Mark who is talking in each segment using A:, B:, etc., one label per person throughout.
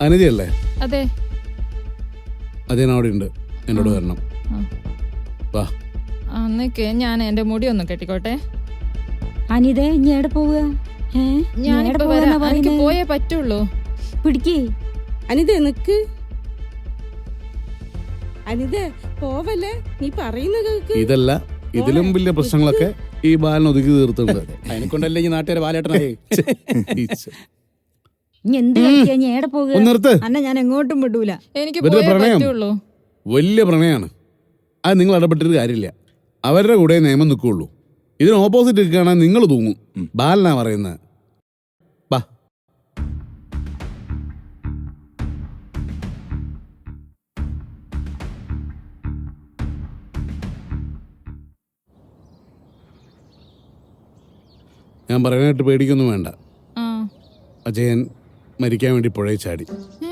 A: അനിതയല്ലേ?
B: അതെ.
A: അതെ, അവിടെ ഉണ്ട്. എന്നോട് വരണം. വാ.
B: അന്നേക്ക് ഞാൻ എന്റെ മുടി ഒന്ന് കെട്ടിക്കോട്ടെ.
C: അനിത ഇനി എവിടെ പോവുക?
B: ഞാനിപ്പോ വരാം. എനിക്ക് പോയേ പറ്റുള്ളൂ.
C: പിടിക്കേ
D: അനിത നിക്ക്. അനിത പോവല്ലേ, നീ പറയുന്ന കേൾക്ക്.
A: ഇതല്ല, ഇതിലും വലിയ പ്രശ്നങ്ങളൊക്കെ ഈ ബാലൻ ഒതുക്കി തീർത്തുണ്ട്.
E: അതിനെക്കൊണ്ടല്ലേ ഈ നാട്ടുകാരെ ബാലേട്ടനായി.
C: ഇനി എന്ത് കളിക്കാ? ഇനി എവിടെ പോവുക?
A: നിർത്ത്.
C: അന്ന ഞാൻ എങ്ങോട്ടും വിടൂല.
B: എനിക്ക്
A: വെറുതെ
B: പോയേ
A: പ്രണയം.
B: പറ്റുള്ളൂ.
A: വലിയ പ്രണയമാണ്. അത് നിങ്ങൾ ഇടപെട്ടിട്ട് കാര്യമില്ല. അവരുടെ കൂടെ നിയമം നിൽക്കുകയുള്ളൂ. ഇതിന് ഓപ്പോസിറ്റ് നിൽക്കുകയാണെങ്കിൽ നിങ്ങൾ തൂങ്ങും. ബാലനാ പറയുന്നത്. ബാ. ഞാൻ പറയാനായിട്ട് പേടിക്കൊന്നും വേണ്ട.
B: ആ.
A: അജയൻ മരിക്കാൻ വേണ്ടി പുഴയിൽ ചാടി.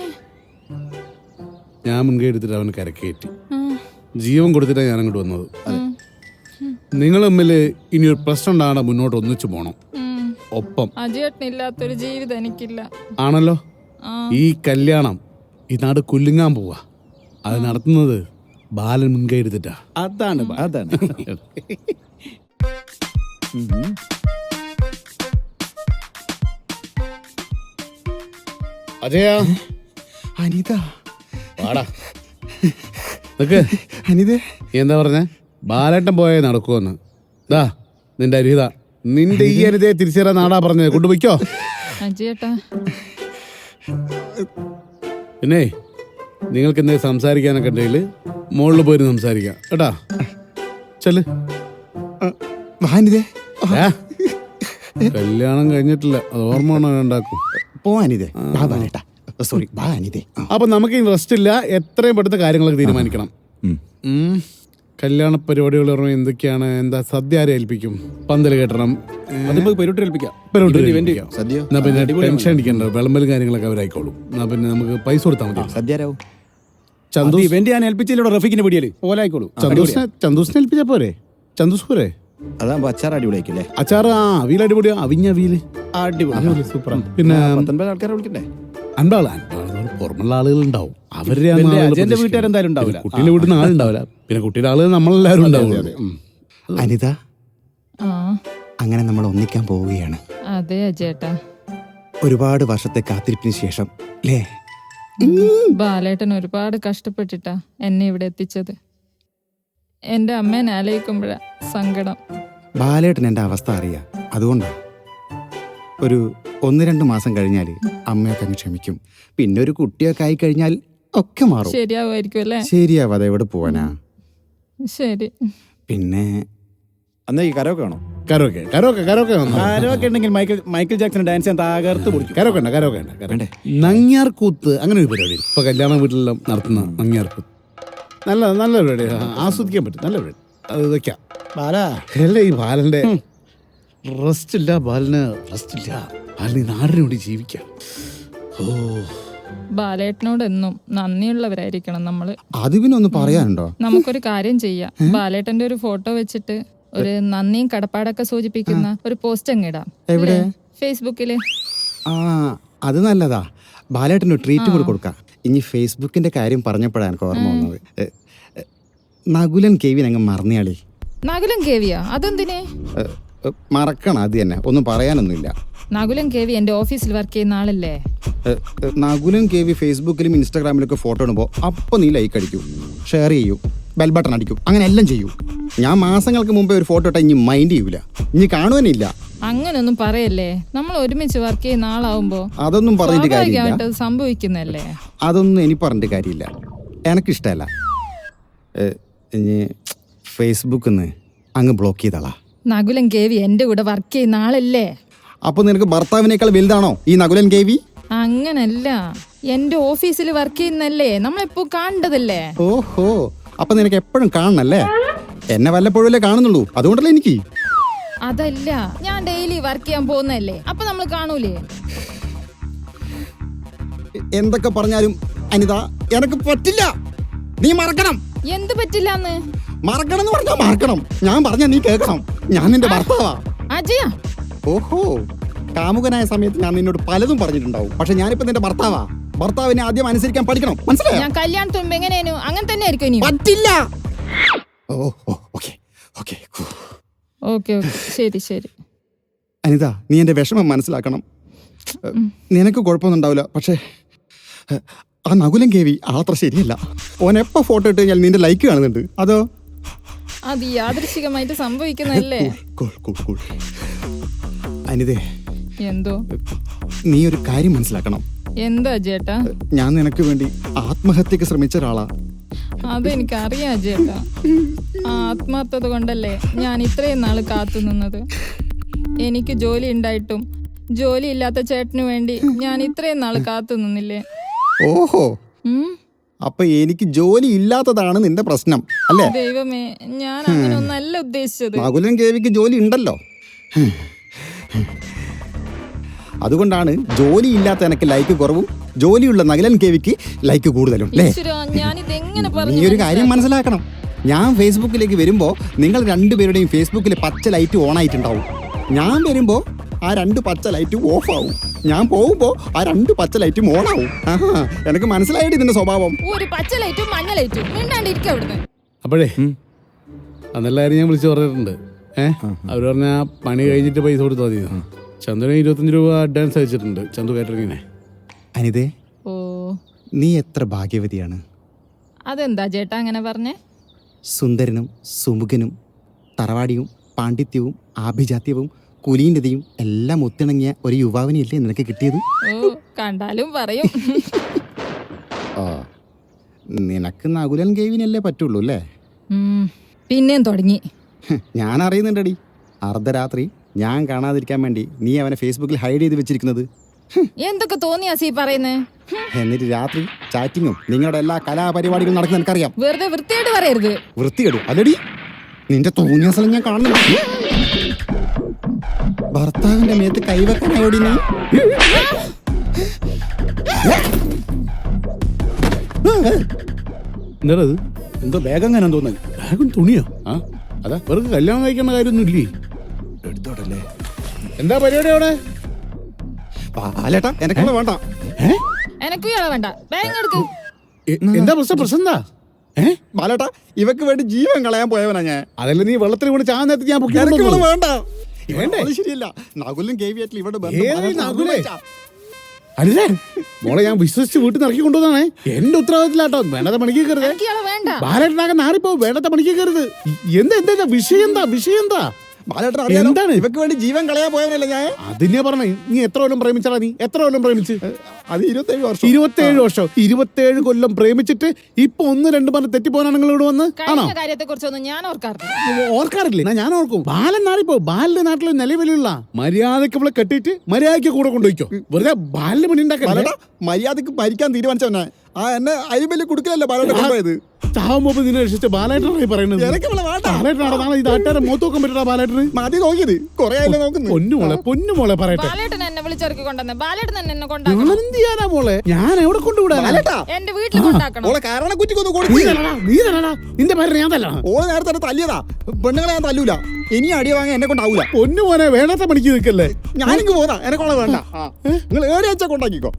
A: ഞാൻ മുൻകൈ എടുത്തിട്ട് അവന് കരക്കയറ്റി. ജീവൻ കൊടുത്തിട്ടാണ് ഞാൻ അങ്ങോട്ട് വന്നത്. നിങ്ങൾ തമ്മിൽ ഇനിയൊരു പ്രശ്നം ഉണ്ടാകണം, മുന്നോട്ട് ഒന്നിച്ചു പോണം. ഒപ്പം.
B: അജയേട്ടനില്ലാത്തൊരു ജീവിതം എനിക്കില്ല.
A: ആണല്ലോ. ഈ കല്യാണം ഈ നാട് കുലുങ്ങാൻ പോവാ. അത് നടത്തുന്നത് ബാലൻ മുൻകൈ എടുത്തിട്ടാ.
E: അതാണ്.
A: അജയ.
E: അനിത.
A: വാടാ. നിക്ക്.
E: അനിത
A: എന്താ പറഞ്ഞ? ബാലേട്ടൻ പോയേ നടക്കുമെന്ന്. ദാ നിന്റെ അരിത. നിന്റെ ഈ അരിതയെ തിരിച്ചറിയാൻ നാടാ പറഞ്ഞത്. കൊണ്ടുപോയിക്കോ.
B: അജയേട്ടാ.
A: പിന്നെ നിങ്ങൾക്ക് എന്തെങ്കിലും സംസാരിക്കാനൊക്കെ ഉണ്ടെങ്കിൽ മുകളിൽ പോയി സംസാരിക്കാം കേട്ടാ. ചെല്.
E: അനിതേ,
A: കല്യാണം കഴിഞ്ഞിട്ടില്ല, അത് ഓർമ്മ ഉണ്ടാക്കും.
E: പോവാനിതേ. സോറി, അനിതേ.
A: അപ്പൊ നമുക്ക് റെസ്റ്റ് ഇല്ല. എത്രയും പെടുത്ത കാര്യങ്ങളൊക്കെ തീരുമാനിക്കണം. കല്യാണ പരിപാടികൾ എന്തൊക്കെയാണ്? എന്താ സദ്യ ആരെ ഏൽപ്പിക്കും? പന്തല് കെട്ടണം, പിന്നെ ടെൻഷൻ അടിക്കണ്ട. വിളമ്പലും കാര്യങ്ങളൊക്കെ അവരായിക്കോളും. എന്നാ പിന്നെ നമുക്ക് പൈസ കൊടുത്താൽ മതി.
E: സദ്യരാവും. ചന്ദു ഇവന്റ് ഞാൻ ഏൽപ്പിച്ചില്ലോ. റഫീഖിന്റെ പിടിയല് ഓലായിക്കോളൂ.
A: ചന്ദൂസിനെ ഏൽപ്പിച്ചാ പോരെ? ചന്ദൂസ് പോരെ?
E: അതാകുമ്പോ അച്ചാർ അടിപൊളിയാക്കില്ലേ?
A: അച്ചാർ അവിയൽ അടിപൊളിയാ. അവിഞ്ഞ അവിയല്
E: അടിപൊളി
A: സൂപ്പറാ. പിന്നെ
E: 19 ആൾക്കാരെ വിളിക്കണ്ടേ?
A: അൻപാള് പുറമുള്ള ആളുകൾ ഉണ്ടാവും. അവരുടെ
E: വീട്ടുകാരെന്തായാലും ഉണ്ടാവില്ല.
A: കുട്ടീനെ വീട്ടിൽ നിന്ന് ആളുണ്ടാവില്ല. പിന്നെ കുട്ടിയുടെ ആളുകൾ നമ്മളെല്ലാവരും ഉണ്ടാവും.
E: അനിത, അങ്ങനെ നമ്മൾ ഒന്നിക്കാൻ പോവുകയാണ്.
B: അതെ അജയേട്ടാ.
E: ഒരുപാട് വർഷത്തെ കാത്തിരിപ്പിന് ശേഷം അല്ലേ?
B: ബാലേട്ടൻ ഒരുപാട് കഷ്ടപ്പെട്ടിട്ടാ എന്നെ ഇവിടെ എത്തിച്ചത്. എന്റെ അമ്മേനെ ആലോചിക്കുമ്പോഴാ സങ്കടം.
E: ബാലേട്ടൻ എന്റെ അവസ്ഥ അറിയാം. അതുകൊണ്ടാ ഒരു 1-2 മാസം കഴിഞ്ഞാൽ അമ്മയൊക്കെ അങ്ങ് ക്ഷമിക്കും. പിന്നെ ഒരു കുട്ടിയൊക്കെ ആയി കഴിഞ്ഞാൽ ഒക്കെ മാറും.
B: ശരിയാവുമായിരിക്കും അല്ലേ?
E: ശരിയാവാതെ എവിടെ പോവാനാ?
B: ശരി.
E: പിന്നെ അന്ന് ഈ കരോക്കെ ആണോ?
A: കരോക്കെ
E: ഉണ്ടെങ്കിൽ മൈക്കിൾ ജാക്സൺ ഡാൻസ് ചെയ്യാൻ തകർത്ത് പൊളിക്കും.
A: കരോക്കെ നങ്ങ്യാർ കൂത്ത്, അങ്ങനെ ഒരു പരിപാടി ഇപ്പൊ കല്യാണ വീട്ടിലെല്ലാം നടത്തുന്ന നങ്ങ്യാർ കൂത്ത്. നല്ല പരിപാടി, ആസ്വദിക്കാൻ പറ്റും. നല്ല പരിപാടി. അത് വെക്കാം. അല്ല, ഈ ബാലന്റെ റെസ്റ്റ് ഇല്ല. ബാലന് നാടിന് വേണ്ടി ജീവിക്കാം.
B: ബാലേട്ടനോട് എന്നും നന്ദിയുള്ളവരായിരിക്കണം നമ്മള്.
E: അത് പിന്നെ ഒന്ന് പറയാനുണ്ടോ?
B: നമുക്കൊരു കാര്യം ചെയ്യാം. ബാലേട്ടന്റെ ഒരു ഫോട്ടോ വെച്ചിട്ട് ഒരു നന്ദിയും കടപ്പാടൊക്കെ സൂചിപ്പിക്കുന്ന ഒരു പോസ്റ്റ് അങ്ങിടാം.
E: എവിടെ?
B: ഫേസ്ബുക്കില്.
E: അത് നല്ലതാ. ബാലേട്ടന് ട്രീറ്റ് കൂടെ കൊടുക്കാം. ഇനി ഫേസ്ബുക്കിന്റെ കാര്യം പറഞ്ഞപ്പോഴാണ് എനിക്ക് ഓർമ്മ വന്നത്. നകുലൻ കേവിൻ അങ്ങ് മറന്നയാളി.
B: നകുലൻ കേവിയാ? അതെന്തിനെ
E: മറക്കണം? അത് തന്നെ, ഒന്നും പറയാനൊന്നുമില്ല.
B: നകുലൻ കേവി എന്റെ ഓഫീസിൽ വർക്ക് ചെയ്യുന്ന ആളല്ലേ?
E: നകുലൻ കേവി ഫേസ്ബുക്കിലും ഇൻസ്റ്റാഗ്രാമിലൊക്കെ ഫോട്ടോ ഇടുമ്പോൾ അപ്പോൾ നീ ലൈക്ക് അടിക്കും, ഷെയർ ചെയ്യും, ബെൽ ബട്ടൺ അടിക്കും, അങ്ങനെ എല്ലാം ചെയ്യും. ഞാൻ മാസങ്ങൾക്ക് മുമ്പേ ഒരു ഫോട്ടോ ഇട്ടാൽ ഇനി മൈൻഡ് ചെയ്യൂല, ഇനി കാണുവാനില്ല.
B: അങ്ങനൊന്നും പറയല്ലേ. നമ്മൾ ഒരുമിച്ച് വർക്ക് ചെയ്യുന്ന ആളാവുമ്പോ
E: അതൊന്നും പറഞ്ഞിട്ട് കാര്യമില്ല.
B: സംഭവിക്കുന്നല്ലേ?
E: അതൊന്നും എനിക്ക് പറഞ്ഞിട്ട് കാര്യമില്ല. എനിക്കിഷ്ടമല്ല. ഇനി ഫേസ്ബുക്കിൽ നിന്ന് അങ്ങ് ബ്ലോക്ക് ചെയ്താളാ.
B: നകുലൻ കേവി എന്റെ കൂടെ വർക്ക് ചെയ്യുന്ന ആളല്ലേ?
E: അപ്പൊ നിനക്ക് ഭർത്താവിനേക്കാൾ വലുതാണോ ഈ നകുലൻ കേവി?
B: അങ്ങനല്ല, എന്റെ ഓഫീസിൽ വർക്ക് ചെയ്യുന്നല്ലേ, നമ്മളെപ്പോ കാണേണ്ടതല്ലേ.
E: ഓഹോ, അപ്പൊ നിനക്ക് എപ്പോഴും കാണണല്ലേ? എന്നെ വല്ലപ്പോഴല്ലേ കാണുന്നുള്ളൂ, അതുകൊണ്ടല്ലേ എനിക്ക്.
B: അതല്ല, ഞാൻ ഡെയിലി വർക്ക് ചെയ്യാൻ പോകുന്നല്ലേ, അപ്പൊ നമ്മൾ കാണൂലേ?
E: എന്തൊക്കെ പറഞ്ഞാലും അനിത എനക്ക് പറ്റില്ല. നീ മറക്കണം.
B: എന്ത് പറ്റില്ലാന്ന്?
E: മറക്കണം എന്ന് പറഞ്ഞാ മറക്കണം. ഞാൻ പറഞ്ഞ നീ കേൾക്കണം. ഞാൻ നിന്റെ ഭർത്താവാ.
B: അജയ.
E: ഓഹോ, കാമുകനായ സമയത്ത് ഞാൻ നിന്നോട് പലതും പറഞ്ഞിട്ടുണ്ടാവും. പക്ഷെ ഞാനിപ്പോ നിന്റെ ഭർത്താവാ. ഭർത്താവിനെ ആദ്യം അനുസരിക്കാൻ പഠിക്കണം, മനസ്സിലായോ?
B: ഞാൻ കല്യാണത്തിന് മുമ്പ് എങ്ങനെയായിരുന്നു അങ്ങനെ തന്നെ ആയിരിക്കും ഇനി.
E: പറ്റില്ല. ഓ ഓക്കെ ഓക്കെ.
B: ഓക്കെ ശരി ശരി.
E: അനിത, നീ എൻ്റെ വിഷമം മനസ്സിലാക്കണം. നിനക്ക് കുഴപ്പമൊന്നും ഉണ്ടാവില്ല, പക്ഷേ ആ നകുലൻ കേവി അത്ര ശരിയല്ല. ഓൻ എപ്പോൾ ഫോട്ടോ ഇട്ട് കഴിഞ്ഞാൽ നിന്റെ ലൈക്ക് കാണുന്നുണ്ട്. അതോ
B: അത് യാദൃശികമായിട്ട് സംഭവിക്കുന്നല്ലേ?
E: കൂൾ. അനിതേ,
B: എന്തോ?
E: നീ ഒരു കാര്യം മനസ്സിലാക്കണം.
B: എന്താ ചേട്ടാ?
E: ഞാൻ നിനക്ക് വേണ്ടി ആത്മഹത്യക്ക് ശ്രമിച്ച ഒരാളാ.
B: അതെനിക്കറിയാം ചേട്ടാ. ആ ആത്മാർത്ഥത കൊണ്ടല്ലേ ഞാൻ ഇത്രയും നാള് കാത്തു നിന്നത്. എനിക്ക് ജോലി ഉണ്ടായിട്ടും ജോലി ഇല്ലാത്ത ചേട്ടന് വേണ്ടി ഞാൻ ഇത്രയും നാള് കാത്തു നിന്നില്ലേ?
E: ഓഹോ, അപ്പൊ എനിക്ക് ജോലി ഇല്ലാത്തതാണ് നിന്റെ പ്രശ്നം അല്ലേ?
B: ദൈവമേ, ഞാൻ അങ്ങനെ ഒന്നല്ല ഉദ്ദേശിച്ചത്.
E: നകുലൻ കേവിക്ക് ജോലി ഉണ്ടല്ലോ, അതുകൊണ്ടാണ് ജോലി ഇല്ലാത്ത എനിക്ക് ലൈക്ക് കുറവും ജോലിയുള്ള നകുലൻ കേവിക്ക് ലൈക്ക് കൂടുതലും.
B: ഞാനിതെങ്ങനെ
E: നീ ഒരു കാര്യം മനസ്സിലാക്കണം. ഞാൻ ഫേസ്ബുക്കിലേക്ക് വരുമ്പോ നിങ്ങൾ രണ്ടുപേരുടെയും ഫേസ്ബുക്കിൽ പച്ച ലൈറ്റ് ഓൺ ആയിട്ടുണ്ടാവും. ഞാൻ വരുമ്പോ ആ 2 പച്ച ലൈറ്റും ഓഫ് ആവും. ഞാൻ പോകുമ്പോ ആ 2 പച്ച ലൈറ്റും ഓൺ ആവും. എനിക്ക് മനസ്സിലായിട്ട് ഇതിന്റെ സ്വഭാവം.
B: ഒരു പച്ച ലൈറ്റും മഞ്ഞ ലൈറ്റും മിണ്ടാണ്ടിരിക്കും അവിടുന്ന്.
A: അപ്പോഴേ അന്നെല്ലാ കാര്യം ഞാൻ വിളിച്ചു പറഞ്ഞിട്ടുണ്ട്. അവർ പറഞ്ഞ പണി കഴിഞ്ഞിട്ട് പൈസ കൊടുത്താൽ മതി. ചന്ദുവിന് 25 രൂപ അഡ്വാൻസ് അയച്ചിട്ടുണ്ട്, ചന്തു കാറ്ററിങ്ങിനെ.
E: അനിതേ,
B: ഓ
E: നീ എത്ര ഭാഗ്യവതിയാണ്.
B: അതെന്താ ചേട്ടാ അങ്ങനെ പറഞ്ഞേ?
E: സുന്ദരനും സുമുഖനും തറവാടിയും പാണ്ഡിത്യവും ആഭിജാത്യവും കുലീനതയും എല്ലാം ഒത്തിണങ്ങിയ ഒരു യുവാവിനെയല്ലേ നിനക്ക് കിട്ടിയത്?
B: ഓ കണ്ടാലും പറയും.
E: നിനക്ക് നകുലൻ കേവിനല്ലേ പറ്റുള്ളൂ അല്ലേ?
B: പിന്നെയും തുടങ്ങി.
E: ഞാൻ അറിയുന്നുണ്ടടി, അർദ്ധരാത്രി ഞാൻ കാണാതിരിക്കാൻ വേണ്ടി നീ അവനെ ഫേസ്ബുക്കിൽ ഹൈഡ് ചെയ്ത് വെച്ചിരിക്കുന്നത്.
B: എന്തൊക്കെ തോന്നിയാ സീ പറയുന്നേ?
E: എന്നിട്ട് രാത്രി ചാറ്റിങ്ങും നിങ്ങളുടെ എല്ലാ കലാപരിപാടികളും നടക്കുന്ന എനിക്കറിയാം.
B: വെറുതെ വൃത്തിയായിട്ട് പറയരുത്.
E: വൃത്തികേട് അല്ലടി, നിന്റെ തോന്നിയ സ്ഥലം ഞാൻ കാണുന്നു. ഭർത്താവിന്റെ മേത്ത് കൈവെക്കാനായോടി നീ?
A: എന്താ
F: എന്തോ ബാഗ് അങ്ങനെ തോന്നുന്നു.
A: ബാഗും തുണിയോ? അതാ വെറുതെ കല്യാണം കഴിക്കേണ്ട കാര്യമൊന്നും ഇല്ലേ?
F: എടുത്തോട്ടല്ലേ.
A: എന്താ പരിപാടി അവിടെ?
E: പാലേട്ടാ, എനക്കുള്ള വേണ്ട.
B: എനക്കും ഇയാളെ വേണ്ട. ബാഗ് എടുക്ക്.
A: എന്താ പ്രശ്നം എന്താ?
E: ബാലേട്ടാ, ഇവക്ക് വേണ്ടി ജീവൻ കളയാൻ പോയവനാ ഞാൻ.
A: അതല്ല നീ വെള്ളത്തിൽ കൊണ്ട് ചാൻ നേരത്തെ ഞാൻ പൊക്കി
E: എനക്കുള്ള
A: കൊണ്ടുവന്നത്.
E: വേണ്ട.
A: വേണ്ടേ?
E: അത് ശരിയല്ല. നകുലും കേവിയായിട്ടുള്ള ഇവിടെ
A: ഏത് നകുലേ? അല്ലേ മോളെ, ഞാൻ വിശ്വസിച്ച് വീട്ടിൽ നിന്ന് ഇറക്കി കൊണ്ടുവന്നാണേ. എന്റെ ഉത്തരവാദിത്തത്തിലാട്ടോ. വേണ്ടത്തെ പണിക്ക് കയറുത്.
B: എനിക്ക് ഇയാളെ വേണ്ട.
A: ബാലേട്ടനാകെ നാറിപ്പോ. വേണ്ടത്തെ പണിക്ക് കയറുത്. എന്താ വിഷയം എന്താ?
E: ബാലേട്ടൻ അറിയാലോ,
A: എന്താണ്?
E: ഇവക്ക് വേണ്ടി ജീവൻ കളയാൻ പോയവനല്ലേ ഞാൻ.
A: അതിനെ പറഞ്ഞേ. നീ എത്ര കൊല്ലം പ്രേമിച്ചടാ? നീ എത്ര കൊല്ലം പ്രേമിച്ച്?
E: അത് 27 വർഷം.
A: 27 വർഷം. 27 കൊല്ലം പ്രേമിച്ചിട്ട് ഇപ്പൊ 1-2 പറഞ്ഞ് തെറ്റിപ്പോനാണ് നിങ്ങൾ ഇവിടെ വന്ന്? ആണോ?
B: കഴിഞ്ഞ കാര്യത്തെ കുറിച്ചൊന്നും ഞാൻ ഓർക്കാറില്ല.
A: ഓർക്കാറില്ലേ? ഞാൻ ഓർക്കും. ബാലൻ നാളിപ്പോ ബാലിന്റെ നാട്ടിൽ നിലവിലുള്ള മര്യാദക്ക് ഇവിടെ കെട്ടിയിട്ട് മര്യാദക്ക് കൂടെ കൊണ്ടുപോയിക്കോ. വെറുതെ ബാലിന് പണി ഉണ്ടാക്കാൻ
E: ബാലേട്ടാ, മര്യാദക്ക് ഭരിക്കാൻ തീരുമാനിച്ചവനെ എന്നെ അരിമല്ലി കൊടുക്കലല്ലേ ബാലേട്ടൻ കൊണ്ടുപോയത്.
A: ചാവുമ്പോ നിന്നെ രക്ഷിച്ച ബാലേട്ടനായി പറയുന്നത്.
E: എനിക്ക് ഇവിടെ വേണ്ട.
A: ബാലേട്ടനാണ് നാളെ ഇത് ആട്ടാരെ മുഖത്ത് നോക്കാൻ പറ്റടാ ബാലേട്ടന്.
E: മതി നോക്കിയത് കൊറേ ആയില്ലേ നോക്കുന്നു.
A: പൊന്നുമോളെ പറയട്ടെ.
B: ബാലേട്ടൻ എന്നെ വിളിച്ചിറക്കി കൊണ്ടുവന്നേ. ബാലേട്ടൻ തന്നെ എന്നെ കൊണ്ടാക്കണം.
A: ഞാൻ എന്ത് ചെയ്യാനാ മോളെ? ഞാൻ എവിടെ കൊണ്ടുവിടാ?
E: ബാലേട്ടാ,
B: എന്റെ വീട്ടിൽ കൊണ്ടാക്കണം.
E: ഓളെ കാരണം കുറ്റിക്കൊന്ന്
A: നീ
E: കൊടുക്കും.
A: തരണടാ. നിന്റെ പേര് ഞാൻ തല്ലണം.
E: ഓളെ നേരത്തെ തന്നെ തല്ലിയതാ. പെണ്ണുങ്ങളെ ഞാൻ തല്ലൂല. ഇനി അടി വാങ്ങാൻ എന്നെ കൊണ്ടാവൂല.
A: പൊന്നുമോനെ, വേണ്ടാത്ത പണിക്ക് നിൽക്കല്ലേ.
E: ഞാനിങ്ങ് പോതാ. എനക്കോളെ വേണ്ട. നിങ്ങൾ ഏടി വെച്ചാ കൊണ്ടാക്കിക്കോ.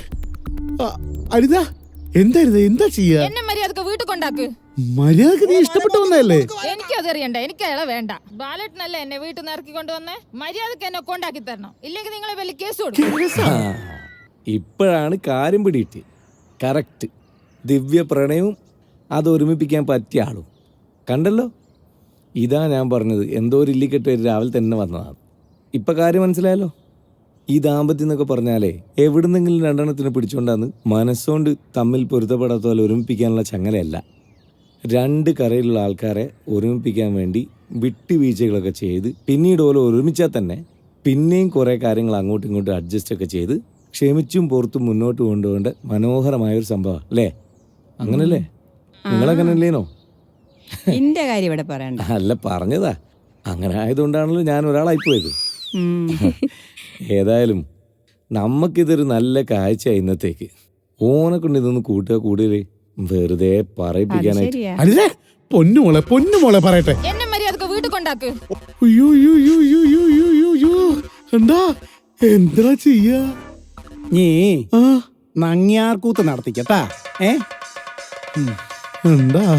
A: അരുതാ. എന്താ ചെയ്യാ?
B: എന്നെ മര്യാദക്ക് വീട്ടിൽ കൊണ്ടാക്ക്.
A: മര്യാദക്ക് നീ ഇഷ്ടപ്പെട്ടു വന്നതല്ലേ?
B: എനിക്കതറിയണ്ട. എനിക്ക് അയാളെ വേണ്ട. ബാലേട്ടനല്ലേ എന്നെ വീട്ടിൽ നിന്ന് ഇറക്കി കൊണ്ടുവന്നേ. മര്യാദക്ക് എന്നെ കൊണ്ടാക്കി തരണം. ഇല്ലെങ്കിൽ നിങ്ങളെ വലിയ കേസ് കൊടുക്കും.
G: ഇപ്പോഴാണ് കാര്യം പിടിയിട്ട്. കറക്റ്റ്. ദിവ്യ പ്രണയവും അത് ഒരുമിപ്പിക്കാൻ പറ്റിയ ആളും കണ്ടല്ലോ. ഇതാ ഞാൻ പറഞ്ഞത്. എന്തോ ഒരു ഇല്ലിക്കെട്ട് രാവിലെ തന്നെ വന്നതാണ്. ഇപ്പം കാര്യം മനസ്സിലായല്ലോ. ഈ ദാമ്പത്യം എന്നൊക്കെ പറഞ്ഞാലേ എവിടുന്നെങ്കിലും 2 പിടിച്ചുകൊണ്ടാന്ന് മനസ്സുകൊണ്ട് തമ്മിൽ പൊരുത്തപ്പെടാത്ത പോലെ ഒരുമിപ്പിക്കാനുള്ള ചങ്ങലയല്ല. 2 കരയിലുള്ള ആൾക്കാരെ ഒരുമിപ്പിക്കാൻ വേണ്ടി വിട്ടുവീഴ്ചകളൊക്കെ ചെയ്ത് പിന്നീട് പോലെ ഒരുമിച്ചാൽ തന്നെ പിന്നെയും കുറേ കാര്യങ്ങൾ അങ്ങോട്ടും ഇങ്ങോട്ടും അഡ്ജസ്റ്റ് ഒക്കെ ചെയ്ത് ക്ഷമിച്ചും പുറത്തും മുന്നോട്ട് കൊണ്ടുപോകേണ്ട മനോഹരമായൊരു സംഭവം അല്ലേ? അങ്ങനല്ലേ? നിങ്ങളങ്ങനല്ലേനോ?
H: എന്റെ കാര്യം ഇവിടെ പറയണ്ട.
G: അല്ല, പറഞ്ഞതാ. അങ്ങനെ ആയതുകൊണ്ടാണല്ലോ ഞാൻ ഒരാളായിപ്പോയത്. ഏതായാലും നമുക്കിതൊരു നല്ല കാഴ്ച. ഇന്നത്തേക്ക് ഓനെ കൊണ്ട് ഇതൊന്ന് കൂടിയേ വെറുതെ പറയിപ്പിക്കാനായിട്ട്.
H: ശരിയാ.
A: അല്ലേ? പൊന്നുമോളെ പറയട്ടെ.
B: എന്നെ മര്യാദക്ക് വീട്ടിൽ കൊണ്ടാക്ക്.
A: എന്താ ചെയ്യാ?
F: നീ നങ്ങ്യാർകൂത്ത് നടത്തിക്കട്ടാ.
A: എന്താ